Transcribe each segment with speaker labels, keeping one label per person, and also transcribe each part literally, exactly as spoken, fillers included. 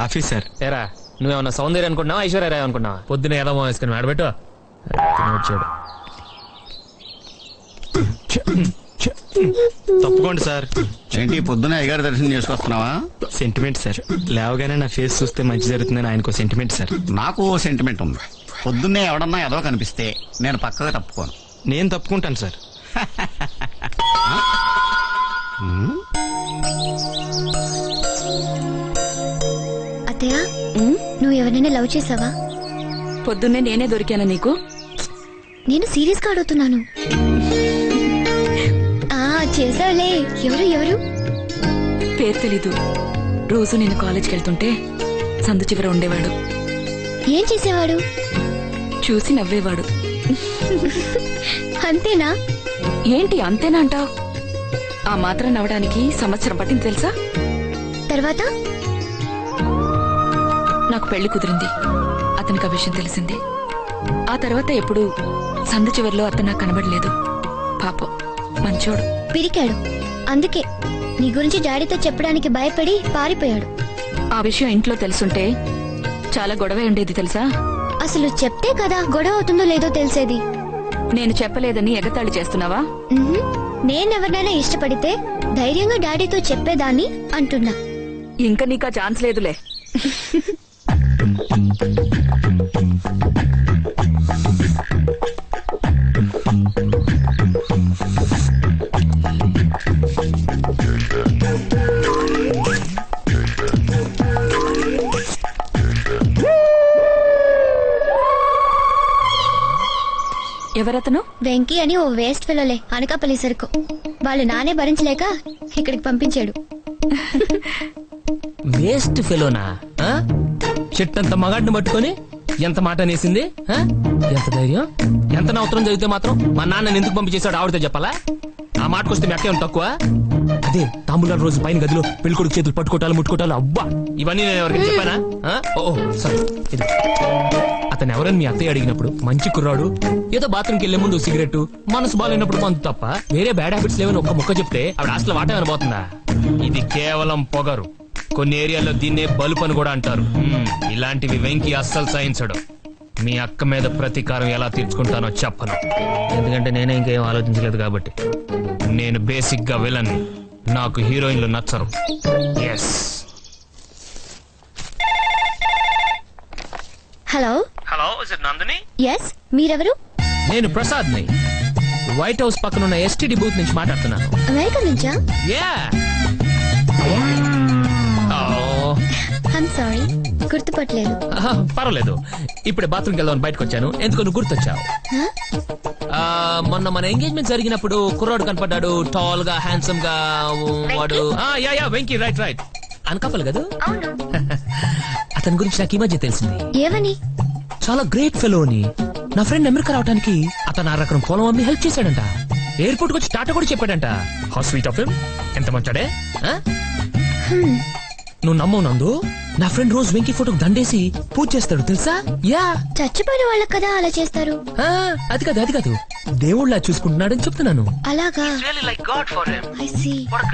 Speaker 1: Coffee sir.
Speaker 2: ఏరా నువ్వేమన్నా సౌందర్య అనుకున్నావా ఐశ్వర్య రాయ్ అనుకున్నావా?
Speaker 3: పొద్దున ఎలా వేసుకుని ఆడబెట్టు వచ్చాడు.
Speaker 1: తప్పుకోండి సార్.
Speaker 4: ఏంటి పొద్దున అయ్యగారి దర్శనం చేసుకొస్తున్నావా?
Speaker 1: Sentiment sir. లేవగానే నా ఫేస్ చూస్తే మంచి జరుగుతుందని ఆయనకు సెంటిమెంట్ సార్.
Speaker 4: నాకు ఓ సెంటిమెంట్ ఉంది. పొద్దున్నే ఎవడన్నా ఏదో కనిపిస్తే నేను పక్కగా తప్పుకోను.
Speaker 1: నేను తప్పుకుంటాను సార్.
Speaker 5: అత్తయ్య నువ్వు ఎవరైనా లవ్ చేసావా?
Speaker 6: పొద్దున్నే నేనే దొరికానా నీకు?
Speaker 5: నేను సీరియస్ గా అడుగుతున్నాను. ఆ చేసావులే. ఎవరు ఎవరు?
Speaker 6: పేరు తెలీదు. రోజు నేను కాలేజ్కి వెళ్తుంటే సందు చివర ఉండేవాడు.
Speaker 5: ఏం చేసేవాడు?
Speaker 6: చూసి నవ్వేవాడు.
Speaker 5: అంతేనా?
Speaker 6: ఏంటి అంతేనా అంటావు? ఆ మాత్రం నవ్వడానికి సంవత్సరం పట్టింది తెలుసా?
Speaker 5: తర్వాత
Speaker 6: నాకు పెళ్లి కుదిరింది. అతనికి ఆ విషయం తెలిసింది. ఆ తర్వాత ఎప్పుడు సందు చివరిలో అతను నాకు కనబడలేదు. పాపం మంచోడు.
Speaker 5: పిరికాడు. అందుకే నీ గురించి డాడీతో చెప్పడానికి భయపడి పారిపోయాడు.
Speaker 6: ఆ విషయం ఇంట్లో తెలుసుంటే చాలా గొడవ ఉండేది తెలుసా?
Speaker 5: అసలు చెప్తే కదా గొడవ అవుతుందో లేదో తెలిసేది.
Speaker 6: నేను చెప్పలేదని ఎగతాళి చేస్తున్నావా?
Speaker 5: నేనెవరినైనా ఇష్టపడితే ధైర్యంగా డాడీతో చెప్పేదాన్ని అంటున్నా.
Speaker 6: ఇంకా నీకా ఛాన్స్ లేదులే. ఎవరతను?
Speaker 5: వెంకీ అని ఓ వేస్ట్ ఫెలోలే. అనకాపల్లి సరుకు. వాళ్ళు నానే భరించలేక ఇక్కడికి పంపించాడు.
Speaker 3: వేస్ట్ ఫెలోనా? చెట్టు అంత మగాడిని పట్టుకొని ఎంత మాట అనేసింది? ఎంత ధైర్యం! ఎంత నవసరం జరిగితే మాత్రం మా నాన్నని ఎందుకు పంపించేశాడు ఆవిడతో చెప్పాలా? ఆ మాటకొస్తే మెక్కే తక్కువ. అదే తాంబూలాల రోజు పైన గదిలో పెళ్ళికొడుకు చేతులు పట్టుకోటాలు ముట్టుకోటాలు అబ్బా ఇవన్నీ నేను ఎవరికి చెప్పానా? ఓ సరే ఇది అతను ఎవరని మీ అత్తయ్య అడిగినప్పుడు మంచి కుర్రాడు, ఏదో బాత్రూమ్కి వెళ్లే ముందు సిగరెట్, మనసు బాగాలేనప్పుడు మందు తప్ప వేరే బ్యాడ్ హ్యాబిట్స్ లేవని ఒక్క మొక్క చెప్తే ఆవిడ హాస్టల్ వాట అనబోతుందా? ఇది కేవలం పొగరు. కొన్ని ఏరియాల్లో దీన్నే బల్బ్ అని కూడా అంటారు. ఇలాంటివి వెంకీ అస్సలు సహించడు. మీ అక్క మీద ప్రతీకారం ఎలా తీర్చుకుంటానో చెప్పను. ఎందుకంటే నేనే ఇంకేం ఆలోచించలేదు కాబట్టి. నేను బేసిక్ గా విలన్. నాకు హీరోయిన్లు నచ్చరు. Yes.
Speaker 5: Hello
Speaker 3: hello Nandini.
Speaker 5: Yes, మీరెవరు?
Speaker 3: నేను ప్రసాద్ ని వైట్ హౌస్ పక్కన ఉన్న ఎస్టీడీ బూత్ నుంచి మాట్లాడుతున్నాను.
Speaker 5: అమెరికా నుంచా?
Speaker 3: యా.
Speaker 5: ఐమ్ సారీ, గుర్తుపట్టలేదు.
Speaker 3: పర్వాలేదు. ఇప్పుడే బాత్రూమ్కి వెళ్దామని బయటకు వచ్చాను. ఎందుకు నువ్వు గుర్తొచ్చావు? మొన్న మన ఎంగేజ్మెంట్ జరిగినప్పుడు కుర్రాడు కనపడ్డాడు, టాల్ గా హ్యాండ్సమ్ గా. వాడు yeah yeah Venky. Right right. Anakapalli కదా? అతని గురించి నాకు ఈ మధ్య తెలిసింది.
Speaker 5: ఏమని?
Speaker 3: చాలా గ్రేట్ ఫెలో అని. నా ఫ్రెండ్ అమెరికా రావడానికి అతను ఆ రకం పొలం అమ్మి హెల్ప్ చేశాడంట. ఎయిర్పోర్ట్ వచ్చి టాటా కూడా చెప్పాడంట. How sweet of him. ఎంత మంచాడే. నువ్వు నమ్మవు నందు, నా ఫ్రెండ్ రోజు వెంకీ ఫోటోకి దండేసి పూజ చేస్తాడు తెలుసా? యా.
Speaker 5: చచ్చిపోయిన వాళ్ళకి కదా అలా చేస్తారు.
Speaker 3: అది కాదు అది కాదు దేవుళ్ళ చూసుకుంటున్నాడని చెప్తున్నాను.
Speaker 5: అలాగా? I see.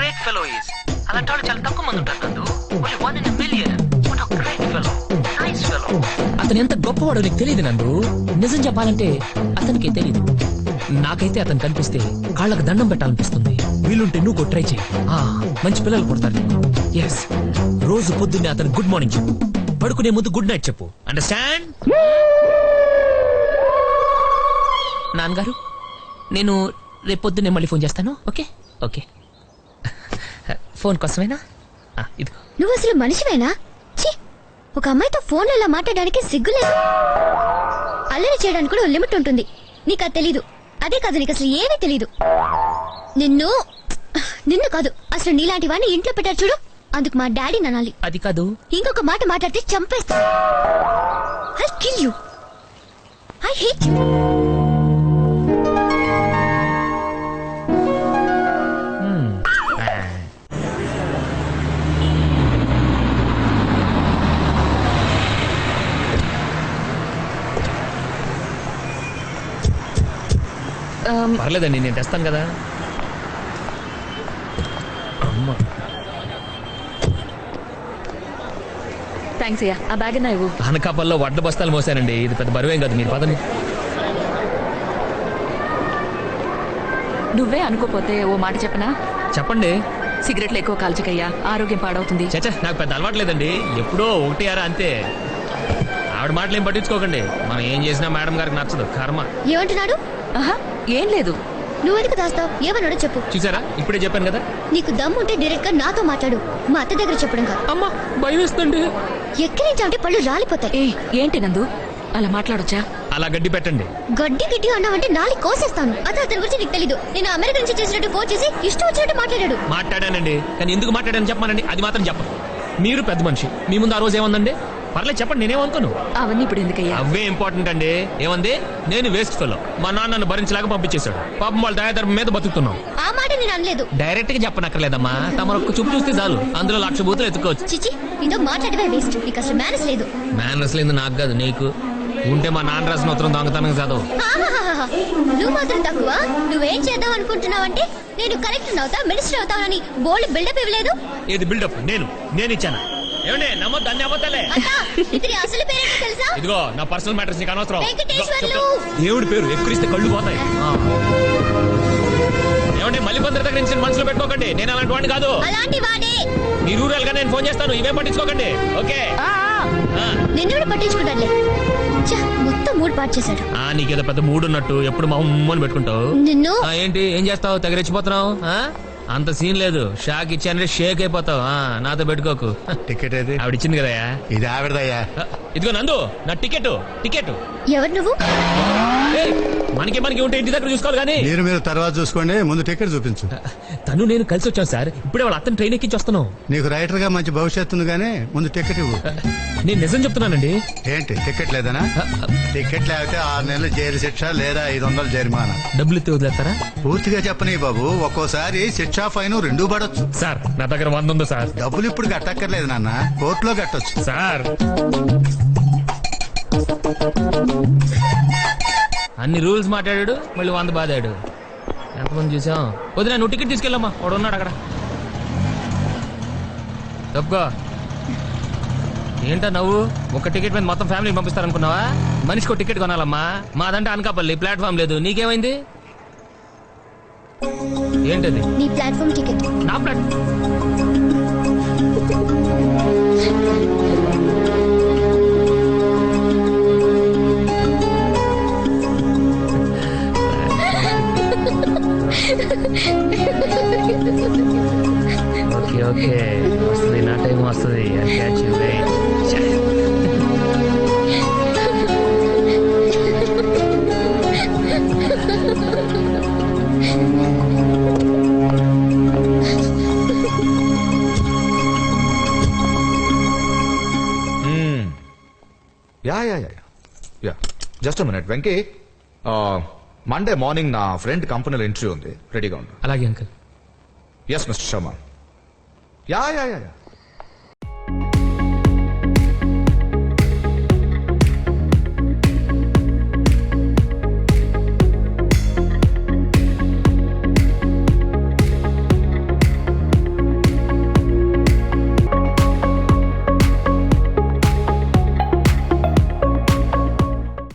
Speaker 3: అతను ఎంత గొప్పవాడో నీకు తెలియదు నందు. నిజం చెప్పాలంటే అతనికే తెలీదు. నాకైతే అతను కనిపిస్తే కాళ్ళకు దండం పెట్టాలనిపిస్తుంది. వీలుంటే నువ్వు ట్రై చేయి. మంచి పిల్లలు పుడతారు. ఎస్. రోజు పొద్దున్నే అతను గుడ్ మార్నింగ్ చెప్పు, పడుకునే ముందు గుడ్ నైట్ చెప్పు. అండర్స్టాండ్? నాన్నగారు, నేను రేపు పొద్దున్నే మళ్ళీ ఫోన్ చేస్తాను. Okay okay. ఫోన్ కోసమేనా? ఇదిగో.
Speaker 5: నువ్వు అసలు మనిషివేనా? ఒక అమ్మాయితో ఫోన్ ఇలా మాట్లాడడానికి సిగ్గులేదు. అల్లరి చేయడానికి కూడా లిమిట్ ఉంటుంది. నీకు అది తెలీదు. అదే కాదు, నీకు అసలు ఏమీ తెలీదు. నిన్ను నిన్ను కాదు అసలు నీలాంటి వాడిని ఇంట్లో పెట్టారు చూడు, అందుకు మా డాడీ ననాలి.
Speaker 3: అది కాదు,
Speaker 5: ఇంకొక మాట మాట్లాడితే చంపేస్తా. I kill you. I hate you.
Speaker 3: పర్లేదండి, నేను తెస్తాను కదా.
Speaker 6: థ్యాంక్స్ అయ్యా ఆ బ్యాగ్ నా ఇవ్వు.
Speaker 3: అనకాపల్లో వడ్ల బస్తాలు మోసానండి. ఇది పెద్ద బరువేం కాదు. మీరు పదండి.
Speaker 6: నువ్వే అనుకోపోతే ఓ మాట చెప్పనా?
Speaker 3: చెప్పండి.
Speaker 6: సిగరెట్లు ఎక్కువ కాల్చకయ్యా, ఆరోగ్యం పాడవుతుంది.
Speaker 3: చచ్చా, నాకు పెద్ద అలవాట్లేదండి. ఎప్పుడో ఒకటి అరా అంతే. ఆవిడ మాటలు ఏం పట్టించుకోకండి. మనం ఏం చేసినా మేడం గారికి నచ్చదు. కర్మ.
Speaker 5: ఏమంటున్నాడు?
Speaker 6: ఆహా ఏం లేదు.
Speaker 5: నువ్వెందుకు దాస్తావు? ఏమన్నాడో చెప్పు.
Speaker 3: చూసారా, ఇప్పుడే చెప్పాను కదా.
Speaker 5: నీకు దమ్ముంటే డైరెక్ట్ గా నాతో మాట్లాడు, మా అత్త దగ్గర చెప్పడం కాదు.
Speaker 3: అమ్మా భయం వేస్తుంది.
Speaker 5: ఎక్కిరించాలంటే పళ్ళు రాలిపోతాయి.
Speaker 6: ఏ ఏంటి నందు అలా మాట్లాడొచ్చా?
Speaker 3: అలా గడ్డి పెట్టండి.
Speaker 5: గడ్డి గిడ్డి అన్నావంటే నాలి కోసేస్తాను. అతను అతని గురించి నీకు తెలీదు. నేను అమెరికా నుంచి చేసినట్టు ఫోన్ చేసి ఇష్టం వచ్చినట్టు మాట్లాడాడు.
Speaker 3: మాట్లాడానండి, కానీ ఎందుకు మాట్లాడాను చెప్పమానండి. అది మాత్రం చెప్పను. మీరు పెద్ద మనిషి, మీ ముందు ఆ రోజు ఏముందండి? పర్లేదు చెప్పండి, నేనేమనుకోను.
Speaker 6: అవన్నీ ఇప్పుడు ఎందుకయ్యా?
Speaker 3: అవే ఇంపార్టెంట్ అండి. ఏమంది? నేను వేస్ట్ ఫెలో, మా నాన్నను భరించలేక పంపించేశాడు. పాపం వాళ్ళ దయాధర్మం మీద బతుకుతున్నాం.
Speaker 5: ఆ మాట నేను అనలేదు.
Speaker 3: డైరెక్ట్ గా చెప్పనక్కర్లేదమ్మా. తమరు ఒక్క చూపు చూస్తే చాలు, అందులో లక్ష బూతులు ఎత్తుకోవచ్చు.
Speaker 5: చిచి, నీతో మాట్లాడమే వేస్ట్. నీకు అసలు మేనస్ లేదు.
Speaker 3: మేనర్స్ లేదు నాకు కాదు, నీకు. ఉంటే మా నాన్న రాసిన ఉత్తరం దొంగతనం చదవు.
Speaker 5: ఆహాహాహా. నువ్వు మాత్రం తక్కువ. నువ్వేం చేద్దాం అనుకుంటున్నావంటే నేను కలెక్టర్ అవుతా, మినిస్టర్ అవుతానని బోల్డ్ బిల్డప్ ఇవ్వలేదు.
Speaker 3: ఏది బిల్డప్? నేను నేను ఇచ్చాను. ఏమండి నమ్మొద్దు, అన్ని అబద్ధాలే.
Speaker 5: అత్త, ఇతని అసలు పేరేంటో తెలుసా?
Speaker 3: ఇదిగో నా పర్సనల్ మ్యాటర్స్ నీకు అనవసరం.
Speaker 5: వెంకటేశ్వర్లు.
Speaker 3: దేవుడి పేరు ఎక్కురిస్తే కళ్ళు పోతాయి. ఆ. ఏమండి మళ్ళీ కొందరి దగ్గర నుంచి మనసులో పెట్టుకోకండి. నేను అలాంటి వాడిని కాదు.
Speaker 5: అలాంటి వాడే.
Speaker 3: మీరు ఊరాలుగా నేను ఫోన్ చేస్తాను, ఇవే పట్టించుకోకండి. ఓకే.
Speaker 6: ఆ, ఆ.
Speaker 3: ఆ.
Speaker 5: నిన్ను పట్టించుకుంటానులే. ఛ, మొత్తం మూడు పాటు చేశాడు.
Speaker 3: ఆ నీకేదో పెద్ద మూడు ఉన్నట్టు ఎప్పుడు మా ఉమ్మని పెట్టుకుంటావు.
Speaker 5: నిన్ను
Speaker 3: ఆ, ఏంటి ఏం చేస్తావు? తెగరెచ్చిపోతున్నావు. ఆ? అంత సీన్ లేదు. షాక్ ఇచ్చానంటే షేక్ అయిపోతావు. ఆ, నాతో పెట్టుకోకు.
Speaker 4: టికెట్ ఏది?
Speaker 3: ఆవిడ ఇచ్చింది కదయా.
Speaker 4: ఇది ఆవిడదయ్యా.
Speaker 3: ఆ, ఇదిగో నందు, నా టికెట్ టికెట్
Speaker 5: ఎవరు నువ్వు?
Speaker 3: ఏయ్, మనకి మనకి ఉంటే ఇంటి దగ్గర చూసుకోవాలి కానీ.
Speaker 7: మీరు మీరు తర్వాత చూసుకోండి, ముందు టికెట్ చూపించు.
Speaker 3: తను నేను కలిసి వచ్చాను సార్. ఇప్పుడే వాళ్ళ అత్తని ట్రైన్ ఎక్కించి వస్తున్నాం.
Speaker 7: నీకు రైటర్ గా మంచి భవిష్యత్తు ఉంది కానీ ముందు టికెట్ ఇవ్వు.
Speaker 3: నేను నిజం చెప్తున్నానండి.
Speaker 7: ఏంటి టికెట్ లేదనా? టికెట్ లేకపోతే ఆరు నెలలు జైలు శిక్ష లేదా ఐదు వందలు జరిమానా.
Speaker 3: డబ్బులు ఎత్తి వదిలేస్తారా?
Speaker 7: పూర్తిగా చెప్పని బాబు, ఒక్కోసారి శిక్ష ఫైన్ రెండూ పడొచ్చు.
Speaker 3: సార్ నా దగ్గర వంద ఉంది సార్.
Speaker 7: డబ్బులు ఇప్పుడు కట్టక్కర్లేదు నాన్న, కోర్టులో కట్టొచ్చు.
Speaker 3: సార్ అన్ని రూల్స్ మాట్లాడాడు, మళ్ళీ వంద బాదాడు. ఎంతమంది చూసాం. వదిలే, నువ్వు టికెట్ తీసుకెళ్ళమ్మా, వాడు ఉన్నాడు అక్కడ. తప్పుకో. ఏంటో నవ్వు? ఒక టికెట్ మీద మొత్తం ఫ్యామిలీ పంపిస్తారనుకున్నావా? మనిషికి ఒక టికెట్ కొనాలమ్మా. మాదంటే అనకాపల్లి, ప్లాట్ఫామ్ లేదు. నీకేమైంది? ఏంటది?
Speaker 5: నీ ప్లాట్ఫామ్ టికెట్.
Speaker 3: నా ప్లాట్ ఓకే ఓకే వస్తుంది, నా టైం వస్తుంది.
Speaker 8: Yeah yeah yeah yeah just minute Venky. Monday morning నా ఫ్రెండ్ కంపెనీలో ఇంటర్వ్యూ ఉంది, రెడీగా ఉంది.
Speaker 3: అలాగే uncle.
Speaker 8: Yes mister Sharma. Yeah yeah yeah